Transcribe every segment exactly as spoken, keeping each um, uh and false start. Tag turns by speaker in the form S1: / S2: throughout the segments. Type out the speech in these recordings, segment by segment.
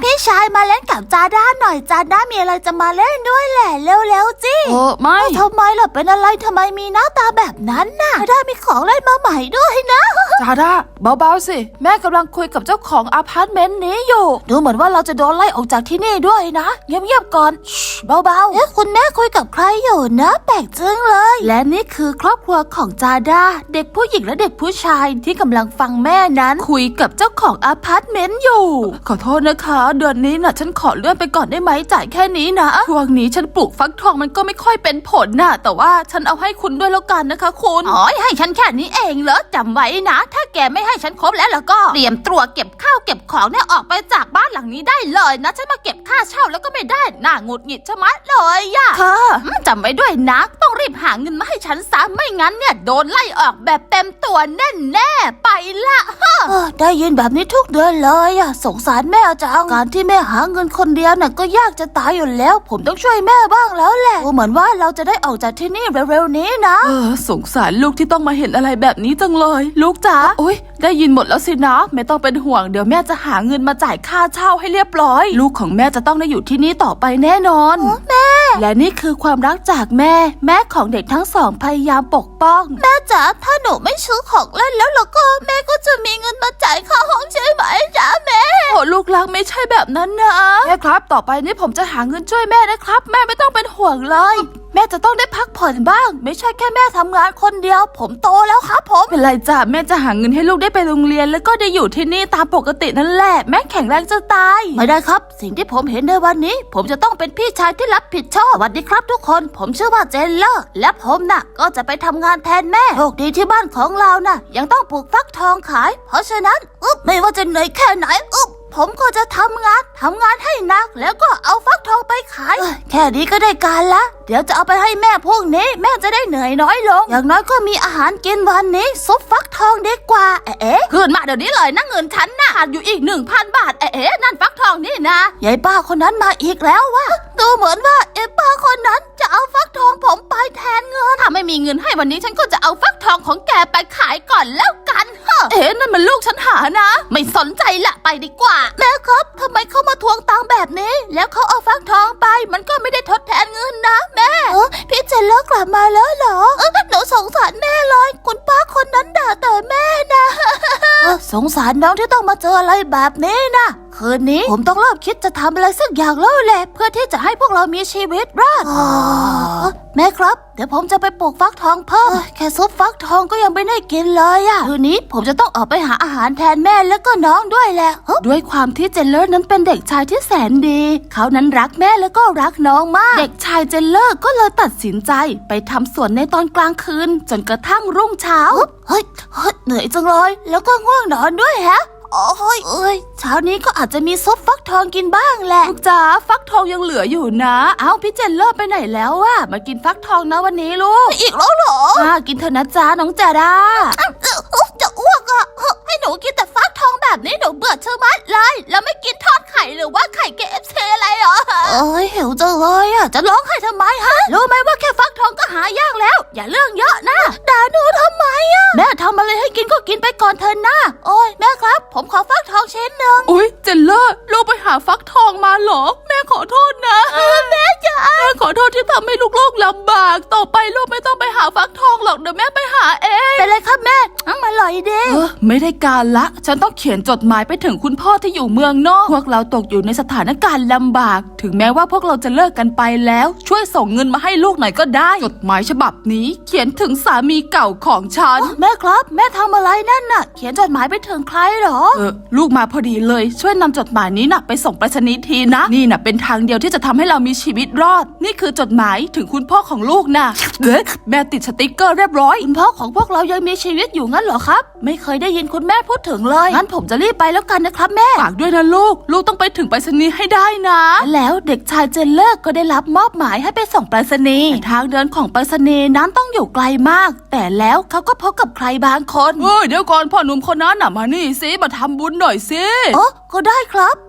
S1: พี่ชายมาเล่นกับจาด้าหน่อยจาด้ามีอะไรจะมาเล่นด้วยแหละเร็วๆจิ
S2: เออไม่
S1: ทำไมล่ะเป็นอะไรทำไมมีหน้าตาแบบนั้นน่ะจาด้ามีของเล่นมาใหม่ด้วยนะ
S2: จาด้าเบาๆสิแม่กำลังคุยกับเจ้าของอพาร์ตเมนต์นี้อยู่ดูเหมือนว่าเราจะโดนไล่ออกจากที่นี่ด้วยนะเงียบๆก่อนเบาๆ
S1: เอ๊ะคุณแม่คุยกับใครอยู่นะแปลกจังเลย
S2: และนี่คือครอบครัวของจาด้าเด็กผู้หญิงและเด็กผู้ชายที่กำลังฟังแม่นั้นคุยกับเจ้าของอพาร์ตเมนต์อยู่ขอโทษนะคะเดือนนี้น่ะฉันขอเลื่อนไปก่อนได้ไหมจ่ายแค่นี้นะช่วงนี้ฉันปลูกฟักทองมันก็ไม่ค่อยเป็นผลน่ะแต่ว่าฉันเอาให้คุณด้วยแล้วกันนะคะคุณ
S1: อ๋อให้ฉันแค่นี้เองเหรอจำไว้นะถ้าแกไม่ให้ฉันครบแล้วแล้วก็เตรียมตัวเก็บข้าวเก็บของเนี่ยออกไปจากบ้านหลังนี้ได้เลยนะฉันมาเก็บค่าเช่าแล้วก็ไม่ได้น่าหงุดหงิดชะมัดเลยอะ
S2: ค่ะ
S1: จำไว้ด้วยนะต้องรีบหาเงินมาให้ฉันซะไม่งั้นเนี่ยโดนไล่ออกแบบเต็มตัวแน่แน่ไปละได้ยินแบบนี้ทุกเดือนเลยอะสงสารแม่จังการที่แม่หาเงินคนเดียวน่ะก็ยากจะตายอยู่แล้วผมต้องช่วยแม่บ้างแล้วแหละเหมือนว่าเราจะได้ออกจากที่นี่เร็วๆนี้นะ
S2: เออสงสารลูกที่ต้องมาเห็นอะไรแบบนี้จังเลยลูกจ๋าโอ๊ยได้ยินหมดแล้วสินะไม่ต้องเป็นห่วงเดี๋ยวแม่จะหาเงินมาจ่ายค่าเช่าให้เรียบร้อยลูกของแม่จะต้องได้อยู่ที่นี่ต่อไปแน่นอน
S1: แม่
S2: และนี่คือความรักจากแม่แม่ของเด็กทั้งสองพยายามปกป้อง
S1: แม่จ๋าถ้าหนูไม่ซื้อของเล่นแล้วแล้วก็แม่ก็จะมีเงินมาจ่ายค่าห้องใช่ไหมจ๋าแม่
S2: โอ้ลูกรักไม่ใช่แบบนั้นนะแม่ครับต่อไปนี้ผมจะหาเงินช่วยแม่นะครับแม่ไม่ต้องเป็นห่วงเลย
S1: แม่จะต้องได้พักผ่อนบ้างไม่ใช่แค่แม่ทำงานคนเดียวผมโตแล้วครับผม
S2: เป็นไรจ้ะแม่จะหาเงินให้ลูกได้ไปโรงเรียนแล้วก็ได้อยู่ที่นี่ตามปกตินั่นแหละแม่แข็งแรงจะตาย
S1: ไม่ได้ครับสิ่งที่ผมเห็นในวันนี้ผมจะต้องเป็นพี่ชายที่รับผิดชอบสวัสดีครับทุกคนผมชื่อว่าเจนเลอร์และผมน่ะก็จะไปทำงานแทนแม่โชคดีที่บ้านของเราน่ะยังต้องปลูกฟักทองขายเพราะฉะนั้นอึ๊บไม่ว่าจะเหนื่อยแค่ไหนอึ๊บผมก็จะทำงานทำงานให้หนักแล้วก็เอาฟักทองไปขายแค่นี้ก็ได้การละเดี๋ยวจะเอาไปให้แม่พวกนี้แม่จะได้เหนื่อยน้อยลงอย่างน้อยก็มีอาหารกินวันนี้ซุปฟักทองดีกว่าเอ๊ะคืนมาเดี๋ยวนี้เลยนะเงินฉันน่ะขาดอยู่อีกหนึ่งพันบาทเอ๊ะนั่นฟักทองนี่นะยายป้าคนนั้นมาอีกแล้ววะดูเหมือนว่าไอ้ป้าคนนั้นจะเอาฟักทองผมไปแทนเงินถ้าไม่มีเงินให้วันนี้ฉันก็จะเอาฟักทองของแกไปขายก่อนแล้วกันเฮ้เอ๊ะนั่นมันลูกฉันหานะไม่สนใจละไปดีกว่าแม่ครับทำไมเขามาทวงตังค์แบบนี้แล้วเขาเอาฟักทองไปมันก็ไม่ได้ทดแทนเงินนะแม่เออพี่เจนเลิกกลับมาแล้วเหรอเออหนูสงสารแม่เลยคุณป้าคนนั้นด่าแต่แม่นะสงสารน้องที่ต้องมาเจออะไรแบบนี้นะคืนนี้ผมต้องเริ่มคิดจะทำอะไรสักอย่างแล้วแหละเพื่อที่จะให้พวกเรามีชีวิตรอดแม่ครับเดี๋ยวผมจะไปปลูกฟักทองเพิ่มแค่ซุปฟักทองก็ยังไม่ได้กินเลยอะคืนนี้ผมจะต้องออกไปหาอาหารแทนแม่แล้วก็น้องด้วยแหละ
S2: ด้วยความที่เจนเลอร์นั้นเป็นเด็กชายที่แสนดีเขานั้นรักแม่แล้วก็รักน้องมากเด็กชายเจนเลอร์ก็เลยตัดสินใจไปทำสวนในตอนกลางคืนจนกระทั่งรุ่งเช้า
S1: เฮ้ยเหนื่อยจังเลยแล้วก็ง่วงนอนด้วยฮะโอ้ยเอ้ยเช้านี้ก็อาจจะมีซุปฟักทองกินบ้างแหละ
S2: ลูกจ๋าฟักทองยังเหลืออยู่นะเอ้าพี่เจนเลอร์ไปไหนแล้วอะมากินฟักทองนะวันนี้ลูก
S1: อีกแล้วเหรอ
S2: อ่ากินเถอะนะจ๊ะน้องจาด้า
S1: จะอ้วกอะให้หนูกินแต่ฟักทองแบบนี้หนูเบื่อเชื่อมัดเลยแล้วไม่กินทอดไข่หรือว่าไข่ เค เอฟ ซี อะไรเหรอเอ้ยหิวจังเลยอะจะร้องไห้ทำไมฮะรู้ไหมว่าแค่ฟักทองก็หายากแล้วอย่าเรื่องเยอะนะด่าหนูทำไมอะแม่ทำอะไรให้กินก็กินไปก่อนเถอะนะโอ้ยแม่ครับผมขอฟักทองชิ้นหนึ่ง
S2: อุ้ยเจนเลอร์ลูกไปหาฟักทองมาเหรอแม่ขอโทษนะ
S1: แม่จ๋า
S2: แม่ขอโทษที่ทำให้ลูกๆลำบากต่อไปลูกไม่ต้องไปหาฟักทองหรอกเดี๋ยวแม่ไปหาเอง
S1: ไปเลยครับแม่มาลอยเด้
S2: อไม่ได้การละฉันต้องเขียนจดหมายไปถึงคุณพ่อที่อยู่เมืองนอกพวกเราตกอยู่ในสถานการณ์ลำบากถึงแม้ว่าพวกเราจะเลิกกันไปแล้วช่วยส่งเงินมาให้ลูกหน่อยก็ได้จดหมายฉบับนี้เขียนถึงสามีเก่าของฉัน
S1: แม่ครับแม่ทำอะไรนั่นน่ะเขียนจดหมายไปถึงใครเหรอ
S2: เออลูกมาพอดีเลยช่วยนำจดหมายนี้น่ะไปส่งไปรษณีย์ทีนะนี่น่ะเป็นทางเดียวที่จะทำให้เรามีชีวิตรอดนี่คือจดหมายถึงคุณพ่อของลูกน่ะเอ๊ะแม่ติดสติ๊กเกอร์เรียบร้อย
S1: คุณพ่อของพวกเรายังมีชีวิตอยู่งั้นเหรอครับไม่เคยได้ยินคุณแม่พูดถึงเลยงั้นผมจะรีบไปแล้วกันนะครับแม่
S2: ฝากด้วยนะลูกลูกต้องไปถึงไปรษณีย์ให้ได้นะ
S1: แล้วเด็กชายเจนเลอร์ก็ได้รับมอบหมายให้ไปส่งไปรษณีย์
S2: ทางเดินของไปรษณีย์นั้นต้องอยู่ไกลมากแต่แล้วเขาก็พบกับใครบางคนเฮ้ยเดี๋ยวก่อนพ่อหนุ่มคนนั้นน่ะมานี่สิมาทำบุญหน่อยสิ
S1: โอ้ก็ได้ครับ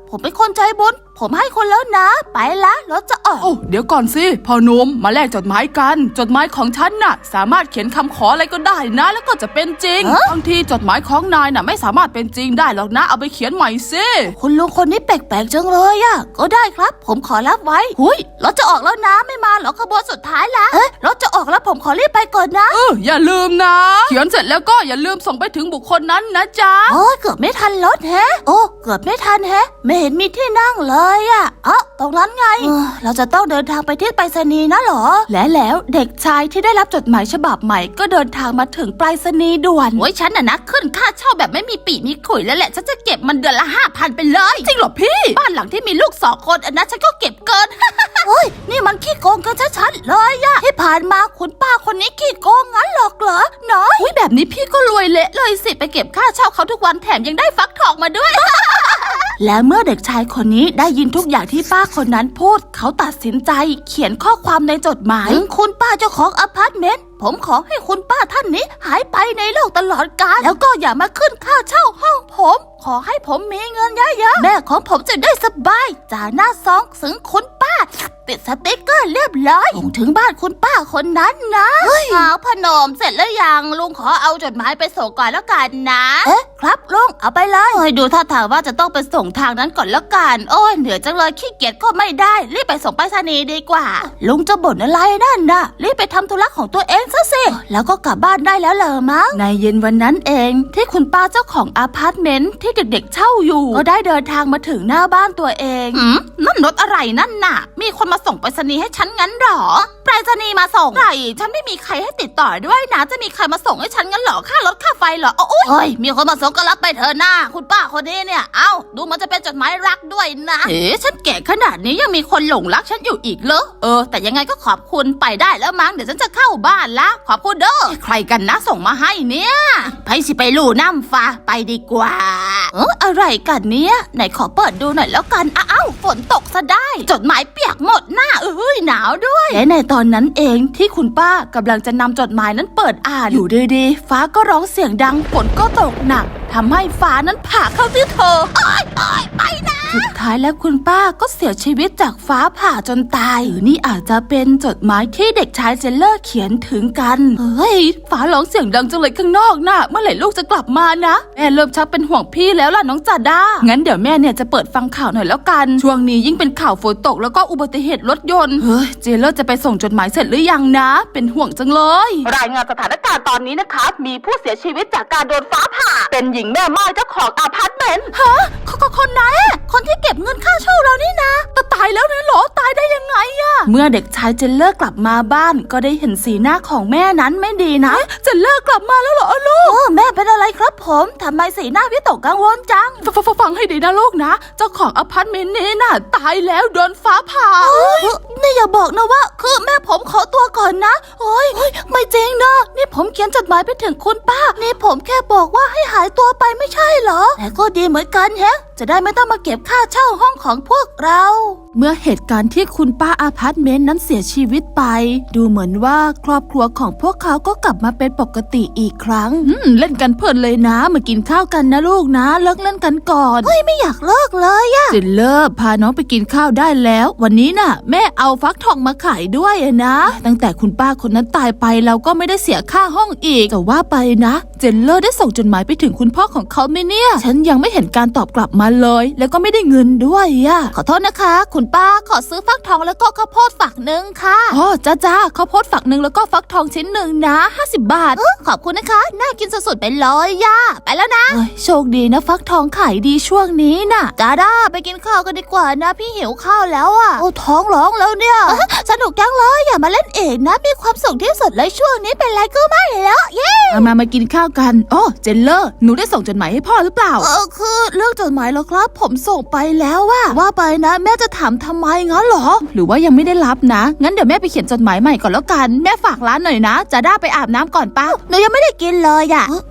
S1: ผมเป็นคนใจบุญผมให้คนแล้วนะไปละรถจะออก
S2: โอ้เดี๋ยวก่อนสิพ่อหนุ่มมาแลกจดหมายกันจดหมายของฉันน่ะสามารถเขียนคำขออะไรก็ได้นะแล้วก็จะเป็นจริงบางทีจดหมายของนายน่ะไม่สามารถเป็นจริงได้หรอกนะเอาไปเขียนใหม่สิ
S1: คุณลุงคนนี้แปลกๆจังเลยอะก็ได้ครับผมขอรับไว้หุยรถจะออกแล้วนะไม่มาหรอขบวนสุดท้ายละเอ๊ะรถจะออกแล้วผมขอรีบไปก่อนนะ
S2: เอออย่าลืมนะเขียนเสร็จแล้วก็อย่าลืมส่งไปถึงบุคคลนั้นนะจ๊ะ
S1: โอ้ยเกือบไม่ทันรถแฮะโอ้เกือบไม่ทันแฮะไม่เห็นมีที่นั่งเลยอะอ๋อตรงนั้นไงเออเราจะต้องเดินทางไปที่ไปรษณีย์นะเหรอ
S2: และแล้วเด็กชายที่ได้รับจดหมายฉบับใหม่ก็เดินทางมาถึงไปรษณีย์ด่วน
S1: โอ้ยฉันน่ะนะขึ้นค่าเช่าแบบไม่มีปีมีขุยแล้วแหละฉันจะเก็บมันเดือนละห้าพันไปเลย
S2: จริงเหรอพี่
S1: บ้านหลังที่มีลูกสองคนอันนั้นฉันก็เก็บเกิน โอ้ยนี่มันขี้โกงกันชัดๆเลยอะที่ผ่านมาคุณป้าคนนี้ขี้โกงงั้นหรอกเหรอน้อย
S2: อุ้ยแบบนี้พี่ก็รวยเละเลยสิ
S1: ไปเก็บค่าเช่าเขาทุกวันแถมยังได้ฟักทองมาด้วย และเมื่อเด็กชายคนนี้ได้ยินทุกอย่างที่ป้าคนนั้นพูดเขาตัดสินใจเขียนข้อความในจดหมายถึงคุณป้าเจ้าของอพาร์ตเมนต์ผมขอให้คุณป้าท่านนี้หายไปในโลกตลอดกาลแล้วก็อย่ามาขึ้นค่าเช่าห้องผมขอให้ผมมีเงินเยอะๆแม่ของผมจะได้สบายจ่าหน้าซองถึงคุณป้าติดสติ๊กเกอร์เรียบร้อยส่งถึงบ้านคุณป้าคนนั้นนะหาวพนมเสร็จแล้วยังลุงขอเอาจดหมายไปส่งก่อนแล้วกันนะเอ๊ะครับลุงเอาไปเลยเฮ้ยดูท่าทางว่าจะต้องไปส่งทางนั้นก่อนแล้วกันโอ้ยเหนื่อยจังเลยขี้เกียจก็ไม่ได้รีบไปส่งไปรษณีย์ดีกว่าลุงจะบ่นอะไรนั่นน่ะรีบไปทำธุระของตัวเองซะสิแล้วก็กลับบ้านได้แล้วเหรอมั้ง
S2: ในเย็นวันนั้นเองที่คุณป้าเจ้าของอพาร์ตเมนต์ที่เด็กๆเช่าอยู่ก็ได้เดินทางมาถึงหน้าบ้านตัวเอง
S1: หืมนั่นรถอะไรนั่นน่ะมีคนมาส่งไปรษณีย์ให้ฉันงั้นหรอไปรษณีย์มาส่งใครฉันไม่มีใครให้ติดต่อด้วยนะจะมีใครมาส่งให้ฉันงั้นหรอค่ารถค่าไฟเหรอโอ้ยเฮ้ยมีคนมาส่งก็รับไปเถอะนะคุณป้าคนนี้เนี่ยเอ้าดูมันจะเป็นจดหมายรักด้วยนะเอ๊ะฉันแก่ขนาดนี้ยังมีคนหลงรักฉันอยู่อีกเหรอเออแต่ยังไงก็ขอบคุณไปได้แล้วมั้งเดี๋ยวฉันจะเข้าบ้านละขอบคุณเด้อใครกันนะส่งมาให้เนี่ยไปสิไปลู่น้ำฟ้าไปดีกว่าเอออะไรกันเนี่ยไหนขอเปิดดูหน่อยแล้วกันอ้าวฝนตกซะได้จดหมายเปียกหมดหน้าเอ้ยหนาวด้วย
S2: และในตอนนั้นเองที่คุณป้ากำลังจะนำจดหมายนั้นเปิดอ่านอยู่ดีๆฟ้าก็ร้องเสียงดังฝนก็ตกหนักทำให้ฟ้านั้นผ่าเข้าที่เธอ
S1: โอ๊ยโอ๊ยไปนะ
S2: สุดท้ายแล้วคุณป้าก็เสียชีวิตจากฟ้าผ่าจนตายหรือนี่อาจจะเป็นจดหมายที่เด็กชายเจนเลอร์เขียนถึงกันเฮ้ยฟ้าร้องเสียงดังจังเลยข้างนอกน่ะเมื่อไหร่ลูกจะกลับมานะแม่เริ่มชักเป็นห่วงพี่แล้วล่ะน้องจาด้างั้นเดี๋ยวแม่เนี่ยจะเปิดฟังข่าวหน่อยแล้วกันช่วงนี้ยิ่งเป็นข่าวฝนตกแล้วก็อุบัติเหตุรถยนต์เฮ้ยเจนเลอร์จะไปส่งจดหมายเสร็จหรือยังนะเป็นห่วงจังเลยรายงานสถานการณ์ตอนนี้นะคะมีผู้เสียชีวิตจากการโดนฟ้าผ่าเป็นหญิงแม่ไม้เจ้าของอพาร์ตเมนต์ฮะคนไหนคนที่เก็บเงินค่าเช่าเรานี่นะแต่ตายแล้วนะหรอตายได้ยังไงอะเมื่อเด็กชายเจนเลอร์กลับมาบ้านก็ได้เห็นสีหน้าของแม่นั้นไม่ดีนะเจนเลอร์กลับมาแล้วเหรอลูก
S1: โอ้แม่เป็นอะไรครับผมทำไมสีหน้าวิตกกังวลจัง
S2: ฟังฟังฟังให้ดีนะลูกนะเจ้าของอพาร์ตเมนต์นี้น่ะตายแล้วโดนฟ้าผ่า
S1: นี่อย่าบอกนะว่าคือแม่ผมขอตัวก่อนนะโอ้ยไม่จริงนะนี่ผมเขียนจดหมายไปถึงคุณป้านี่ผมแค่บอกว่าให้หายตัวไปไม่ใช่เหรอแต่ก็ดีเหมือนกันแฮะจะได้ไม่ต้องมาเก็บค่าเช่าห้องของพวกเรา
S2: เมื่อเหตุการณ์ที่คุณป้าอพาร์ตเมนต์นั้นเสียชีวิตไปดูเหมือนว่าครอบครัวของพวกเขาก็กลับมาเป็นปกติอีกครั้งเล่นกันเพลินเลยนะมากินข้าวกันนะลูกนะเลิกเล่นกันก่อน
S1: เฮ้ยไม่อยากเลิกเลยอะ
S2: เจนเลิกพาน้องไปกินข้าวได้แล้ววันนี้น่ะแม่เอาฟักทองมาขายด้วยนะตั้งแต่คุณป้าคนนั้นตายไปเราก็ไม่ได้เสียค่าห้องอีกแต่ว่าไปนะเจนเลอร์ได้ส่งจดหมายไปถึงคุณพ่อของเขาไหมเนี่ยฉันยังไม่เห็นการตอบกลับมาเลยแล้วก็ไม่ได้เงินด้วยอะ
S1: ขอโทษนะคะคุณป้าขอซื้อฟักทองแล้วก็ข้าวโพดฝักหนึ่งค่ะ
S2: อ๋อจ้าจ้าข้าวโพดฝักหนึ่งแล้วก็ฟักทองชิ้นหนึ่งนะห้าสิบบาท
S1: เออขอบคุณนะคะน่ากินสุดๆไปเลยย่าไปแล้วนะ
S2: เอ้ยโชคดีนะฟักทองขายดีช่วงนี้น่ะ
S1: จ้าด้าไปกินข้าวกันดีกว่านะพี่หิวข้าวแล้วอ่ะโอ้ท้องร้องแล้วเนี่ยสนุกจังเลยอย่ามาเล่นเองนะมีความสุขที่สุดเลยช่วงนี้เป็นไรก็ไม่แล้วเย้
S2: มามามากินข้าวกันอ๋อเจนเลอร์หนูได้ส่งจดหมายให้พ่อหรือเปล่า
S1: เออคือเรื่องจดหมายแล้วครับผมส่งไปแล้วว่าว่าไปนะแม่จะถามทำไมงั้นเหรอ
S2: หรือว่ายังไม่ได้รับนะงั้นเดี๋ยวแม่ไปเขียนจดหมายใหม่ก่อนแล้วกันแม่ฝากร้านหน่อยนะจะได้ไปอาบน้ำก่อนป้า
S1: หนูยังไม่ได้กินเลยอ่ะ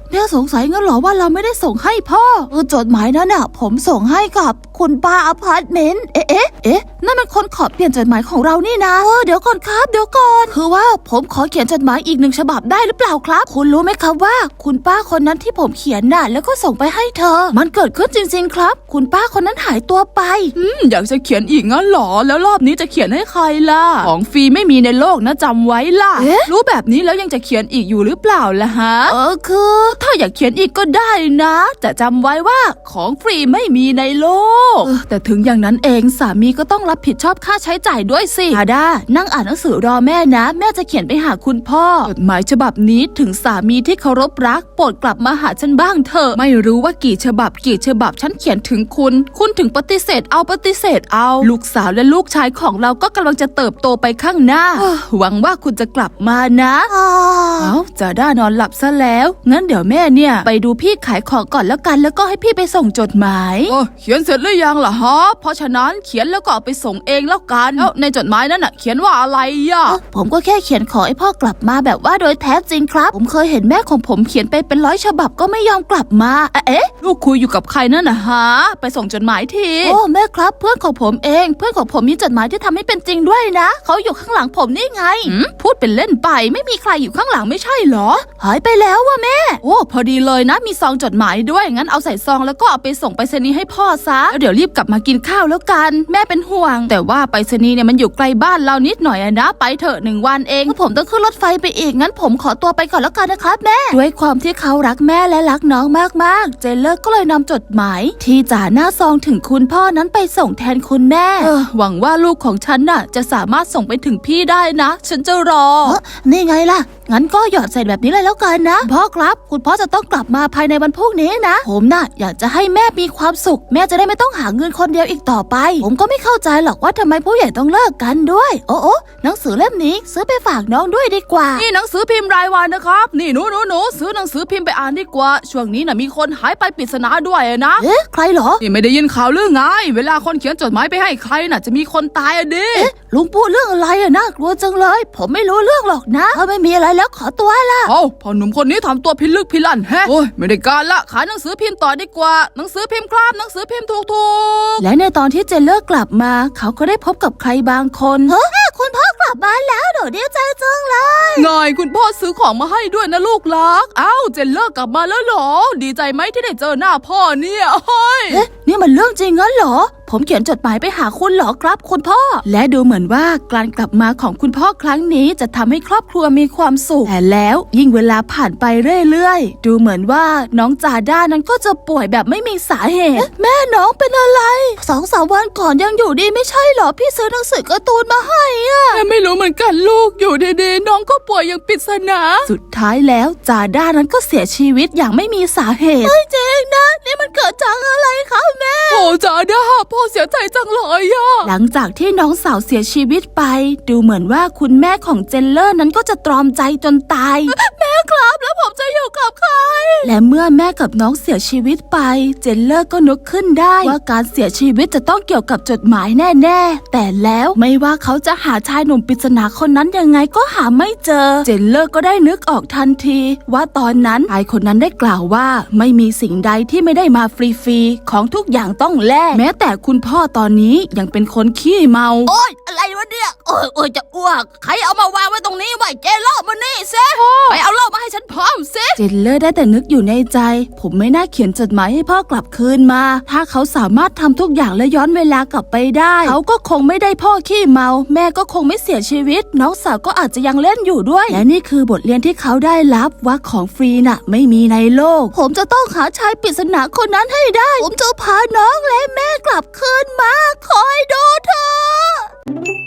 S2: แม่สงสัยงั้นเหรอว่าเราไม่ได้ส่งให้พ่อเออจดหมายนั้นน่ะผมส่งให้กับคุณป้าอพาร์ตเมนต์เอ๊ะเอ๊ะเอ๊ะนั่นมันคนขอเปลี่ยนจดหมายของเรานี่นะเออเดี๋ยวก่อนครับเดี๋ยวก่อนคือว่าผมขอเขียนจดหมายอีกหนึ่งฉบับได้หรือเปล่าครับคุณรู้ไหมครับว่าคุณป้าคนนั้นที่ผมเขียนน่ะแล้วก็ส่งไปให้เธอมันเกิดขึ้นจริงๆครับคุณป้าคนนั้นหายตัวไปอืมอยากจะเขียนอีกงั้นหรอแล้วรอบนี้จะเขียนให้ใครล่ะของฟรีไม่มีในโลกนะจำไว้ล่ะรู้แบบนี้แล้วยังจะเขียนอีกอยู่หรือเปล่าล่ะฮะเออคือถ้าอยากเขียนอีกก็ได้นะแต่จำไว้ว่าของฟรีไม่มีในโลกเออแต่ถึงอย่างนั้นเองสามีก็ต้องรับผิดชอบค่าใช้จ่ายด้วยสิอาดานั่งอ่านหนังสือรอแม่นะแม่จะเขียนไปหาคุณพ่อจดหมายฉบับนี้ถึงสามีที่เคารพรักโปรดกลับมาหาฉันบ้างเถอะไม่รู้ว่ากี่ฉบับกี่ฉบับฉันเขียนถึงคุณคุณถึงปฏิเสธเอาปฏิเสธเอาลูกสาวและลูกชายของเราก็กำลังจะเติบโตไปข้างหน้าหวังว่าคุณจะกลับมานะเอาจาด้านอนหลับซะแล้วงั้นเดี๋ยวแม่เนี่ยไปดูพี่ขายของก่อนแล้วกันแล้วก็ให้พี่ไปส่งจดหมายโอ้เขียนเสร็จหรือยังล่ะฮะเพราะฉะนั้นเขียนแล้วก็เอาไปส่งเองแล้วกันแล้วในจดหมายนั้นน่ะเขียนว่าอะไรอ่ะผมก็แค่เขียนขอให้พ่อกลับมาแบบว่าโดยแท้จริงครับผมเคยเห็นแม่ของผมเขียนไปเป็นร้อยฉบับก็ไม่ยอมกลับมาเอ๊ะลูกคุยอยู่กับใครนั่นน่ะฮะไปส่งจดหมายทีโอ้แม่ครับเพื่อนของผมเองเพื่อนของผมมีจดหมายที่ทำให้เป็นจริงด้วยนะเขาอยู่ข้างหลังผมนี่ไงพูดเป็นเล่นไปไม่มีใครอยู่ข้างหลังไม่ใช่เหรอหายไปแล้วว่ะแม่โอ้พอดีเลยนะมีซองจดหมายด้วยงั้นเอาใส่ซองแล้วก็เอาไปส่งไปรษณีย์ให้พ่อซะแล้วเดี๋ยวรีบกลับมากินข้าวแล้วกันแม่เป็นห่วงแต่ว่าไปรษณีย์เนี่ยมันอยู่ไกลบ้านเรานิดหน่อยนะไปเถอะหนึ่งวันเองผมต้องขึ้นรถไฟไปอีกงั้นผมขอตัวไปก่อนแล้วกันนะครับแม่ด้วยความที่เขารักแม่และรักน้องมากๆเจนเลอร์ก็เลยนำจดหมายที่จ่าหน้าซองถึงคุณพ่อนั้นไปส่งแทนคุณแม่เออหวังว่าลูกของฉันน่ะจะสามารถส่งไปถึงพี่ได้นะฉันจะรอเออนี่ไงล่ะงั้นก็หยอดใส่แบบนี้เลยแล้วกันนะพ่อครับคุณพ่อจะต้องกลับมาภายในวันพรุ่งนี้นะผมน่ะอยากจะให้แม่มีความสุขแม่จะได้ไม่ต้องหาเงินคนเดียวอีกต่อไปผมก็ไม่เข้าใจหรอกว่าทำไมผู้ใหญ่ต้องเลิกกันด้วยโอ้โอ้หนังสือเล่มนี้ซื้อไปฝากน้องด้วยดีกว่านี่หนังสือพิมพ์รายวันนะครับนี่หนูหนูหนูซื้อหนังสือพิมพ์ไปอ่านดีกว่าช่วงนี้น่ะมีคนหายไปปริศนาด้วยนะเอ๊ะใครเหรอนี่ไม่ได้ยินข่าวหรือไงเวลาคนเขียนจดหมายไปให้ใครน่ะจะมีคนตายอะดิเอ๊ะลุงพูดเรื่องอะไรอะน่ากลัวจังเลยผมไม่รู้เรื่องหรอกนะถ้าไม่มีอะไรแล้วขอตัวละเอ้าพอหนุ่มคนนี้ทำตัวพิลึกพิลั่นแฮะโอ้ยไม่ได้การละขายหนังสือพิมพ์ต่อดีกว่าหนังสือพิมพ์ครับหนังสือพิมพ์ถูกๆและในตอนที่เจนเลอร์กลับมาเขาก็ได้พบกับใครบางคนเฮ้ยคุณพ่อกลับมาแล้วหนูดีใจจังเลยไงคุณพ่อซื้อของมาให้ด้วยนะลูกรักอ้าวเจนเลอร์กลับมาแล้วเหรอดีใจไหมที่ได้เจอหน้าพ่อเนี่ยเฮ้ยเอ๊ะนี่มันเรื่องจริงงั้นเหรอผมเขียนจดหมายไปหาคุณเหรอครับคุณพ่อและดูเหมือนว่าการกลับมาของคุณพ่อครั้งนี้จะทำให้ครอบครัวมีความสุขแต่แล้วยิ่งเวลาผ่านไปเรื่อยๆดูเหมือนว่าน้องจาด้านั้นก็จะป่วยแบบไม่มีสาเหตุแม่น้องเป็นอะไรสองสามวันก่อนยังอยู่ดีไม่ใช่เหรอพี่ซื้อหนังสือการ์ตูนมาให้อะแม่ไม่รู้เหมือนกันลูกอยู่ดีๆน้องก็ป่วยอย่างปริศนาสุดท้ายแล้วจาด้านั้นก็เสียชีวิตอย่างไม่มีสาเหตุไม่จริงนะนี่มันเกิดจากอะไรคะแม่โอ้จาด้าพ่อเสียใจจังเลยอะหลังจากที่น้องสาวเสียชีวิตไปดูเหมือนว่าคุณแม่ของเจนเลอร์นั้นก็จะตรอมใจจนตายแม่ครับแล้วผมจะอยู่กับใครและเมื่อแม่กับน้องเสียชีวิตไปเจนเลอร์ก็นึกขึ้นได้ว่าการเสียชีวิตจะต้องเกี่ยวกับจดหมายแน่ๆแต่แล้วไม่ว่าเขาจะหาชายหนุ่มปริศนาคนนั้นยังไงก็หาไม่เจอเจนเลอร์ก็ได้นึกออกทันทีว่าตอนนั้นชายคนนั้นได้กล่าวว่าไม่มีสิ่งใดที่ไม่ได้มาฟรีๆของทุกอย่างต้องแลกแม้แต่คุณพ่อตอนนี้ยังเป็นคนขี้เมาโอ๊ยอะไรวะเนี่ยโอ๊ยโอ๊ยจะอ้วกใครเอามาวางไว้ตรงนี้ไว้เจนเลอร์มานี่เซ่ไปเอาเหล้ามาให้ฉันพร้อมเซ่เจนเลอร์ได้แต่นึกอยู่ในใจผมไม่น่าเขียนจดหมายให้พ่อกลับคืนมาถ้าเขาสามารถทำทุกอย่างและย้อนเวลากลับไปได้เขาก็คงไม่ได้พ่อขี้เมาแม่ก็คงไม่เสียชีวิตน้องสาวก็อาจจะยังเล่นอยู่ด้วยและนี่คือบทเรียนที่เขาได้รับว่าของฟรีน่ะไม่มีในโลกผมจะต้องหาชายปริศนาคนนั้นให้ได้ผมจะพาน้องและแม่กลับคืนมาคอยดูเธอ